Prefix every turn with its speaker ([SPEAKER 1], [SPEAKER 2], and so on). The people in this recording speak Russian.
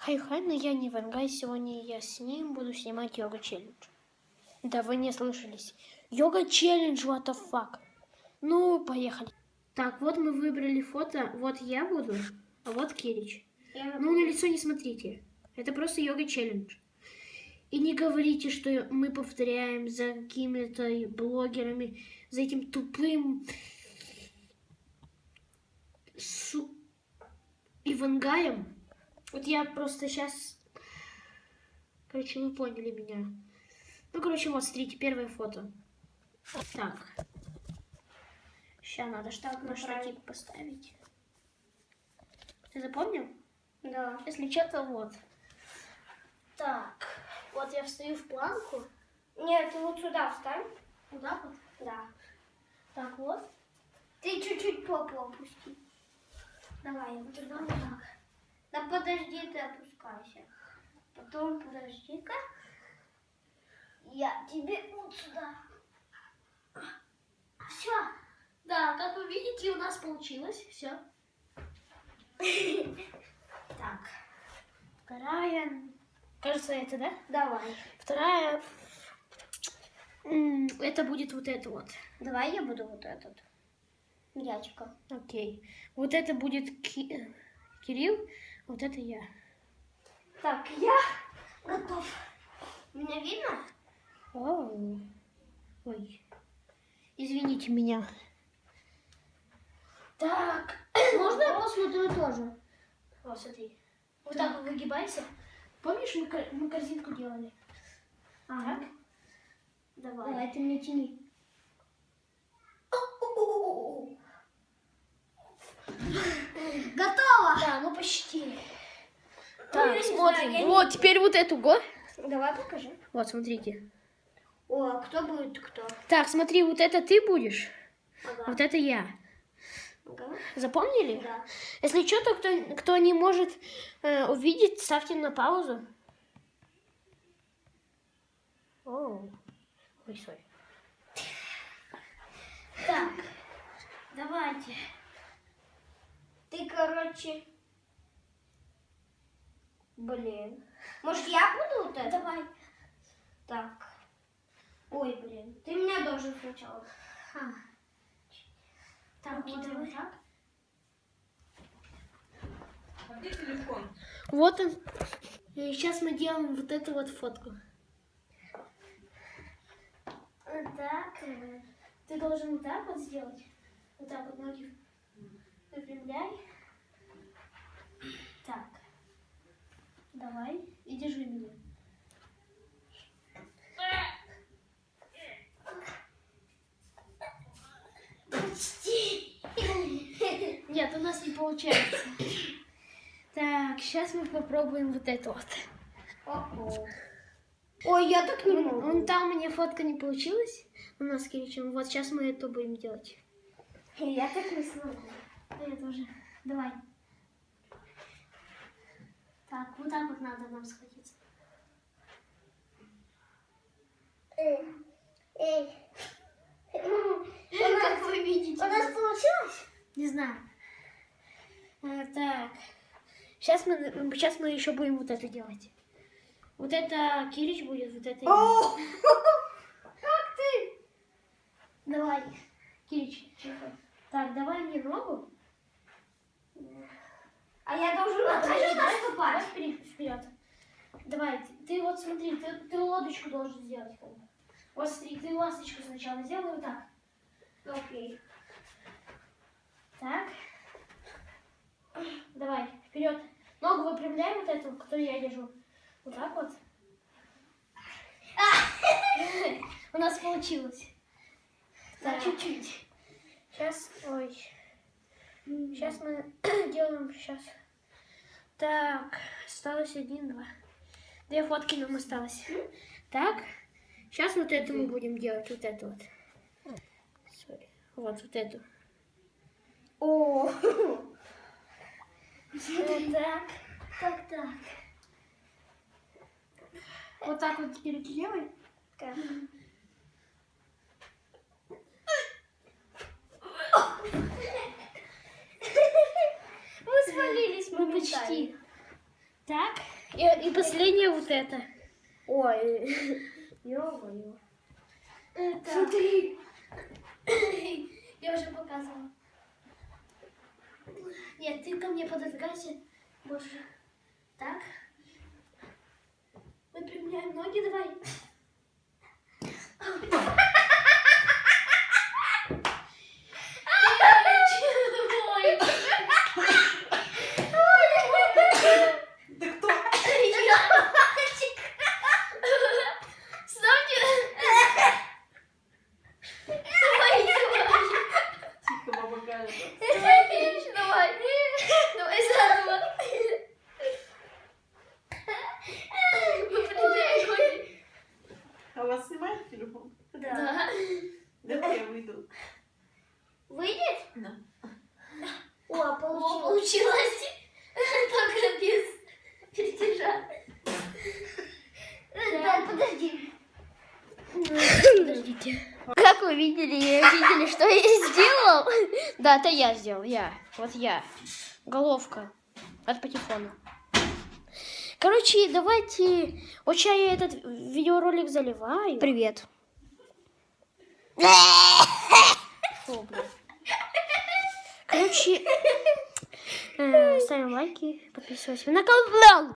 [SPEAKER 1] Хай-хай, но я не Ивангай. Сегодня я с ним буду снимать йога-челлендж. Да, вы не слышались. Йога-челлендж, what the fuck. Ну, поехали. Так, вот мы выбрали фото. Вот я буду, а вот Кирич. Ну, на лицо не смотрите. Это просто йога-челлендж. И не говорите, что мы повторяем за какими-то блогерами, за этим тупым Ивангаем. Вот я просто сейчас... Короче, вы поняли меня. Ну, короче, вот, смотрите, первое фото. Так. Сейчас надо штатив поставить. Ты запомнил?
[SPEAKER 2] Да.
[SPEAKER 1] Если что-то вот. Так. Вот я встаю в планку.
[SPEAKER 2] Нет, ты вот сюда встань.
[SPEAKER 1] Вот так вот?
[SPEAKER 2] Да.
[SPEAKER 1] Так вот.
[SPEAKER 2] Ты чуть-чуть попу опусти.
[SPEAKER 1] Давай, я вот туда вот так.
[SPEAKER 2] Да подожди, ты опускайся. Потом подожди-ка. Я тебе вот сюда.
[SPEAKER 1] Все. Да, как вы видите, у нас получилось. Все. Так. Вторая. Кажется, это, да?
[SPEAKER 2] Давай.
[SPEAKER 1] Вторая. Это будет вот это вот.
[SPEAKER 2] Давай я буду вот этот. Мячика.
[SPEAKER 1] Окей. Вот это будет Кирилл, вот это я.
[SPEAKER 2] Так, я готов. Меня видно?
[SPEAKER 1] Оу. Ой. Извините меня. Так.
[SPEAKER 2] Можно я посмотрю тоже?
[SPEAKER 1] Вот, смотри. Вот так вот выгибайся. Помнишь, мы корзинку делали?
[SPEAKER 2] Ага.
[SPEAKER 1] Так. Давай.
[SPEAKER 2] Давай, ты мне тяни. Готово!
[SPEAKER 1] Да, ну почти.
[SPEAKER 2] Ну,
[SPEAKER 1] Так,
[SPEAKER 2] я не
[SPEAKER 1] смотрим.
[SPEAKER 2] знаю, я
[SPEAKER 1] Вот, теперь вот эту го.
[SPEAKER 2] Давай покажи.
[SPEAKER 1] Вот, смотрите.
[SPEAKER 2] О, а кто будет кто?
[SPEAKER 1] Так, смотри, вот это ты будешь,
[SPEAKER 2] Ага.
[SPEAKER 1] вот это я.
[SPEAKER 2] Ага.
[SPEAKER 1] Запомнили?
[SPEAKER 2] Да.
[SPEAKER 1] Если что-то, кто не может увидеть, ставьте на паузу. Оу. Ой, сори.
[SPEAKER 2] Так, давайте. Ты, короче... Блин. Может, я буду вот это?
[SPEAKER 1] Давай.
[SPEAKER 2] Так. Ой, блин. Ты меня должен сначала.
[SPEAKER 1] Так,
[SPEAKER 2] Руки
[SPEAKER 1] вот
[SPEAKER 2] давай.
[SPEAKER 1] так.
[SPEAKER 3] А где телефон?
[SPEAKER 1] Вот он. И сейчас мы делаем вот эту вот фотку. Так. Ты должен вот так вот сделать. Вот так вот ноги выпрямляй. Так. Давай. И держи меня.
[SPEAKER 2] Почти.
[SPEAKER 1] Нет, у нас не получается. Так, сейчас мы попробуем вот это вот.
[SPEAKER 2] О-о. Ой, я так не могу.
[SPEAKER 1] Вон там у меня фотка не получилась. У нас с Киричем. Вот сейчас мы это будем делать.
[SPEAKER 2] Я так не смогу.
[SPEAKER 1] Да, я тоже. Давай. Так, вот так вот надо нам схватиться.
[SPEAKER 2] Эй.
[SPEAKER 1] Как вы видите.
[SPEAKER 2] У нас получилось?
[SPEAKER 1] Не знаю. Так. Сейчас мы еще будем вот это делать. Вот это Кирич будет, вот это я.
[SPEAKER 2] О, как ты?
[SPEAKER 1] Давай. Кирич. Так, давай мне ногу.
[SPEAKER 2] А я должен
[SPEAKER 1] Давай
[SPEAKER 2] наступать.
[SPEAKER 1] вперед. Давай, ты вот смотри, ты лодочку должен сделать. Как бы. Вот смотри, ты ласточку сначала сделай вот так.
[SPEAKER 2] Окей.
[SPEAKER 1] Так. Давай, вперед. Ногу выпрямляй вот эту, которую я держу. Вот так вот. У нас получилось. Так, чуть-чуть. Сейчас, ой. Сейчас мы делаем, сейчас. Так, осталось 1, 2. 2 фотки нам осталось. Так, сейчас вот это мы будем делать, вот это вот. Sorry. Вот эту.
[SPEAKER 2] О,
[SPEAKER 1] Вот так. Так. Вот так вот теперь делай.
[SPEAKER 2] как? Мы свалились
[SPEAKER 1] Мы почти. Так. И последнее вот это.
[SPEAKER 2] Ой. Ё-моё.
[SPEAKER 1] Смотри. Я уже показывала. Нет, ты ко мне пододвигайся больше. Так. Выпрямляем ноги, давай.
[SPEAKER 3] Ты кто? Тихо, баба Галя.
[SPEAKER 1] Давай заново.
[SPEAKER 3] А у вас снимает телефон?
[SPEAKER 2] Да.
[SPEAKER 3] Давай я выйду.
[SPEAKER 2] Выйдет?
[SPEAKER 3] Да.
[SPEAKER 2] О, получилось.
[SPEAKER 1] Получилось. Только без перетяжа.
[SPEAKER 2] Да, подожди.
[SPEAKER 1] Подождите. Как вы видели, что я сделал? Да, это я сделал, Вот я. Головка от патефона. Короче, давайте... Вот сейчас я этот видеоролик заливаю. Привет. Фу, блин. Короче, ставим лайки, подписываемся на канал.